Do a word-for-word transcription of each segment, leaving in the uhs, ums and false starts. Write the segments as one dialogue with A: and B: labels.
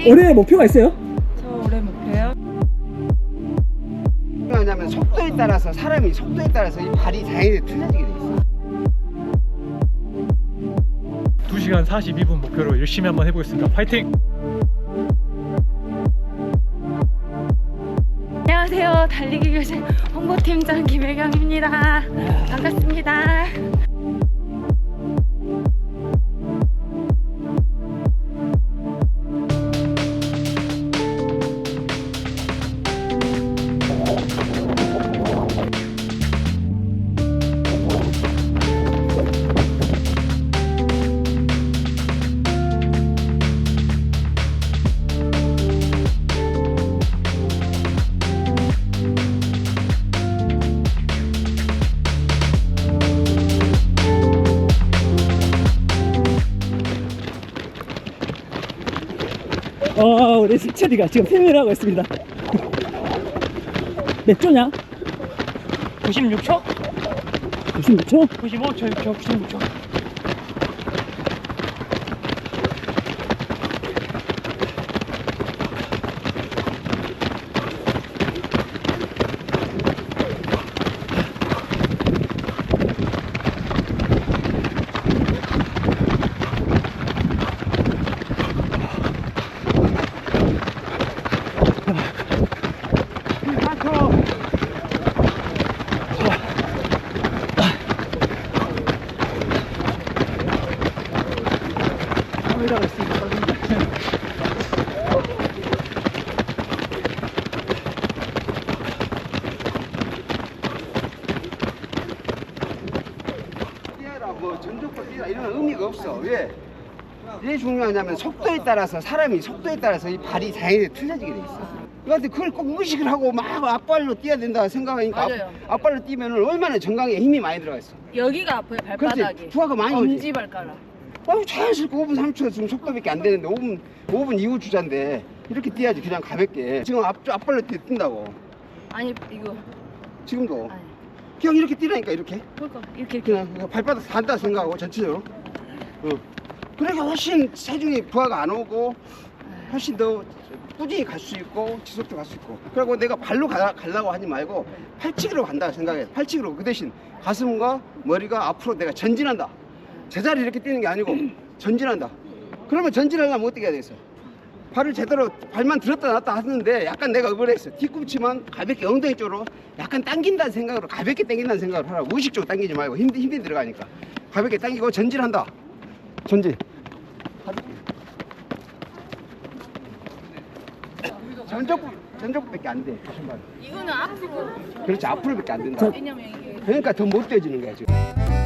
A: 올해 목표가 있어요?
B: 저 올해 목표요?
C: 왜냐면 속도에 따라서 사람이 속도에 따라서 이 발이 당연히 틀려지게 돼 있어.
D: 두 시간 사십이 분 목표로 열심히 한번 해보겠습니다. 파이팅!
B: 안녕하세요. 달리기 교실 홍보팀장 김혜경입니다. 반갑습니다.
A: 어, 우리 승철이가 지금 필미를 하고 있습니다. 몇 초냐?
D: 구십육 초?
A: 구십육 초?
D: 구십오 초, 육 초, 구십육 초.
C: 뛰어라 뭐 전족도 뛰라 이런 의미가 없어. 왜? 왜 중요하냐면 속도에 따라서 사람이 속도에 따라서 이 발이 당연히 틀려지게 돼 있어. 그런데 그걸 꼭 의식을 하고 막 앞발로 뛰어야 된다 생각하니까
B: 맞아요.
C: 앞, 앞발로 뛰면은 얼마나 정강에 힘이 많이 들어가 있어.
B: 여기가 아파요. 발바닥이.
C: 그렇지. 부하가 많이 오지.
B: 엄지 발가락.
C: 어, 자연스럽게 오 분 삼 초 지금 속도밖에 안 되는데 오 분 오 분 이후 주자인데 이렇게 뛰어야지 그냥 가볍게. 지금 앞 앞발로 뛰, 뛴다고.
B: 아니 이거
C: 지금도
B: 아니.
C: 그냥 이렇게 뛰라니까 이렇게.
B: 그러니까 이렇게 이렇게.
C: 그냥, 그냥 발바닥 산다 생각하고 전체적으로. 어. 그러니까 훨씬 체중이 부하가 안 오고 훨씬 더 꾸준히 갈 수 있고 지속적으로 갈 수 있고. 그리고 내가 발로 가, 가려고 하지 말고 팔치기로 간다 생각해. 팔치기로 그 대신 가슴과 머리가 앞으로 내가 전진한다. 제자리 이렇게 뛰는 게 아니고 전진한다. 그러면 전진하려면 어떻게 해야 되겠어? 발을 제대로 발만 들었다 놨다 하는데 약간 내가 의벌했어. 뒤꿈치만 가볍게 엉덩이 쪽으로 약간 당긴다는 생각으로 가볍게 당긴다는 생각으로 하라고. 무의식적으로 당기지 말고 힘, 힘이 들어가니까 가볍게 당기고 전진한다. 전진. 전적부 전적부밖에 안 돼. 신발.
B: 이거는 앞으로.
C: 그렇지 앞으로밖에 안 된다.
B: 왜냐면 이게
C: 그러니까 더 못 뛰어지는 거야 지금.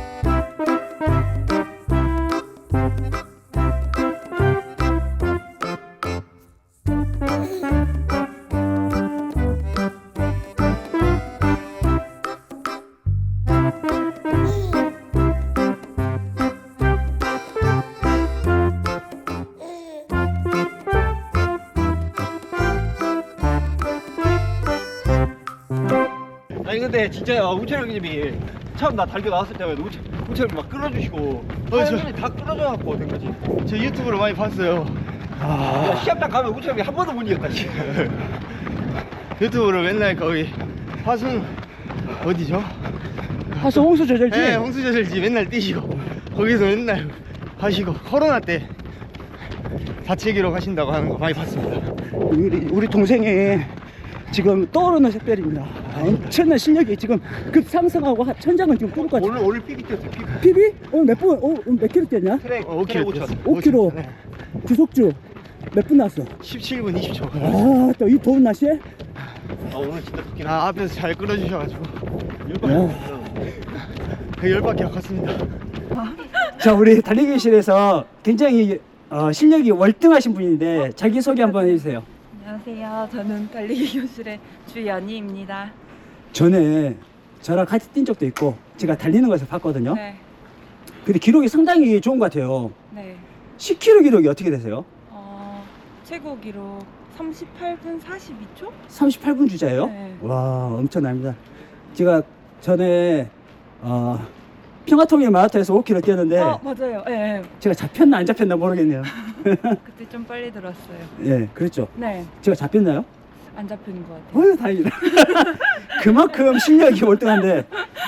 E: 아니 근데 진짜 우철 형님이 처음 나 달겨 나왔을 때마다 우철, 우철 형님 막 끌어주시고 어, 저, 다 끌어줘갖고 된 거지. 저 유튜브로 많이 봤어요. 아... 시합장 가면 우철 형이 한 번도 못 이겼다 지금. 유튜브로 맨날 거기 화순 어디죠?
A: 하수 홍수 조절지?
E: 네, 홍수저절지 맨날 뛰시고 거기서 맨날 하시고 코로나 때 다치기로 하신다고 하는 거 많이 봤습니다.
A: 우리, 우리 동생이 지금 떠오르는 샛별입니다. 엄청난 실력이 지금 급상승하고 하- 천장은 지금 뚫을 것 같아.
C: 오늘 오늘 삐기 뛰었어. 삐기.
A: 피비? 오늘 몇 분, 어, 오늘 몇 킬로 뛰었냐?
C: 트랙
E: 어, 오 킬로
C: 트랙 오천.
A: 오 킬로.
E: 네.
A: 주속주 몇 분 나왔어?
E: 십칠 분 이십 초.
A: 아, 또 이 더운 날씨에?
E: 아 오늘 진짜 좋긴 아 앞에서 잘 끌어주셔가지고
A: 야.
E: 열받게 컸습니다.
A: 자, 우리 달리기실에서 굉장히 어, 실력이 월등하신 분인데 자기소개 한번 해주세요.
B: 안녕하세요. 저는 달리기 교실의 주연희입니다.
A: 전에 저랑 같이 뛴 적도 있고 제가 달리는 것을 봤거든요.
B: 네.
A: 근데 기록이 상당히 좋은 것 같아요.
B: 네.
A: 십 킬로미터 기록이 어떻게 되세요?
B: 어, 최고 기록 삼십팔 분 사십이 초?
A: 삼십팔 분 주자예요?
B: 네.
A: 와, 엄청납니다. 제가 전에 어, 평화통일 마라톤에서 오 킬로미터 뛰었는데
B: 어, 맞아요. 예. 네.
A: 제가 잡혔나 안 잡혔나 모르겠네요.
B: 그때 좀 빨리 들었어요.
A: 예, 그랬죠.
B: 네,
A: 제가 잡혔나요?
B: 안 잡히는 것 같아요.
A: 어휴, 다행이다. 그만큼 실력이 월등한데.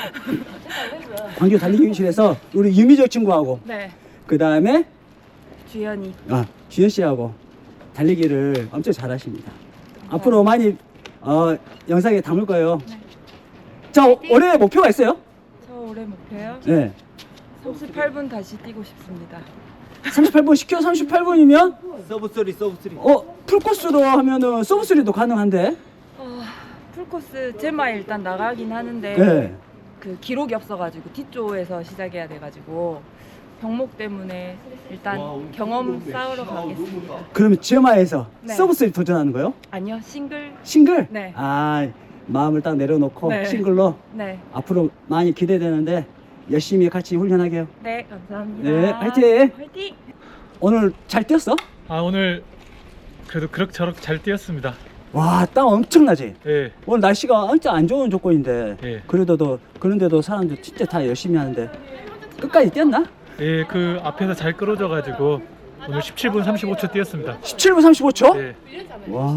A: 광주 달리기 교실에서 우리 유미적 친구하고,
B: 네,
A: 그 다음에
B: 주연이.
A: 아, 주현 씨하고 달리기를 엄청 잘하십니다. 앞으로 많이 어, 영상에 담을 거예요.
B: 네.
A: 자, 올해 목표가 있어요?
B: 저 올해 목표요?
A: 네.
B: 삼십팔 분 다시 뛰고 싶습니다.
A: 삼십팔 분, 십 킬로미터 삼십팔 분이면
E: 서브 쓰리 서브 쓰리.
A: 어, 풀코스로 하면은 서브쓰리도 가능한데.
B: 어, 풀코스 제마 일단 나가긴 하는데
A: 네.
B: 그 기록이 없어가지고 뒤쪽에서 시작해야 돼가지고 병목 때문에 일단 경험 쌓으러 가겠습니다.
A: 그러면 지엠아에서
B: 네.
A: 서브쓰리 도전하는 거요?
B: 아니요, 싱글.
A: 싱글?
B: 네.
A: 아, 마음을 딱 내려놓고
B: 네.
A: 싱글로
B: 네,
A: 앞으로 많이 기대되는데 열심히 같이 훈련하게요.
B: 네, 감사합니다.
A: 네, 화이팅!
B: 화이팅!
A: 오늘 잘 뛰었어?
D: 아 오늘 그래도 그럭저럭 잘 뛰었습니다.
A: 와, 땀 엄청나지?
D: 예,
A: 오늘 날씨가 진짜 안 좋은 조건인데
D: 예.
A: 그래도 그런데도 사람들 진짜 다 열심히 하는데 끝까지 뛰었나?
D: 예, 그 앞에서 잘 끌어줘가지고 오늘 십칠 분 삼십오 초 뛰었습니다.
A: 십칠 분 삼십오 초?
D: 예,
A: 와.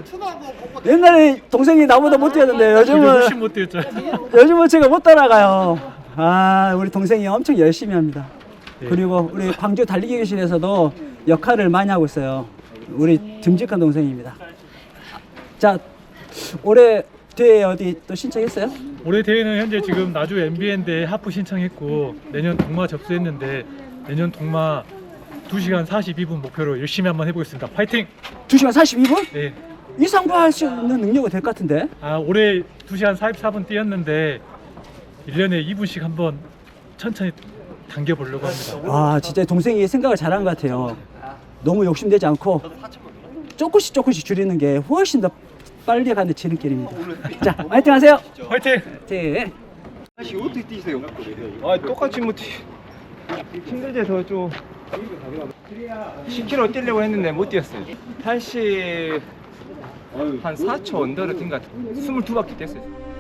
A: 옛날에 동생이 나보다 못 뛰었는데
D: 저도
A: 요즘은
D: 훨씬 못 뛰었죠.
A: 요즘은 제가 못 따라가요. 아, 우리 동생이 엄청 열심히 합니다.
D: 예.
A: 그리고 우리 광주 달리기 교실에서도 역할을 많이 하고 있어요. 우리 듬직한 동생입니다. 자, 올해 대회 어디 또 신청했어요?
D: 올해 대회는 현재 지금 나주 엠비엔 대회 하프 신청했고 내년 동마 접수했는데 내년 동마 두 시간 사십이 분 목표로 열심히 한번 해보겠습니다. 파이팅!
A: 두 시간 사십이 분?
D: 예.
A: 이상부할 수 있는 능력이 될 것 같은데?
D: 아 올해 두 시간 사십사 분 뛰었는데 일 년에 이 분씩 한번 천천히 당겨보려고 합니다.
A: 아, 진짜 동생이 생각을 잘한 것 같아요. 너무 욕심내지 않고 조금씩 조금씩 줄이는 게 훨씬 더 빨리 가는 지름길입니다. 자, 화이팅 하세요.
D: 파이팅!
A: 네.
E: 다시 어떻게 뛰세요? 아 똑같이 뭐 뛰. 힘들대서 좀 십 킬로미터 뛰려고 했는데 못 뛰었어요. 팔십 한 사 초 언더로 뛴 것 같아요. 이십이 바퀴 뛰었어요.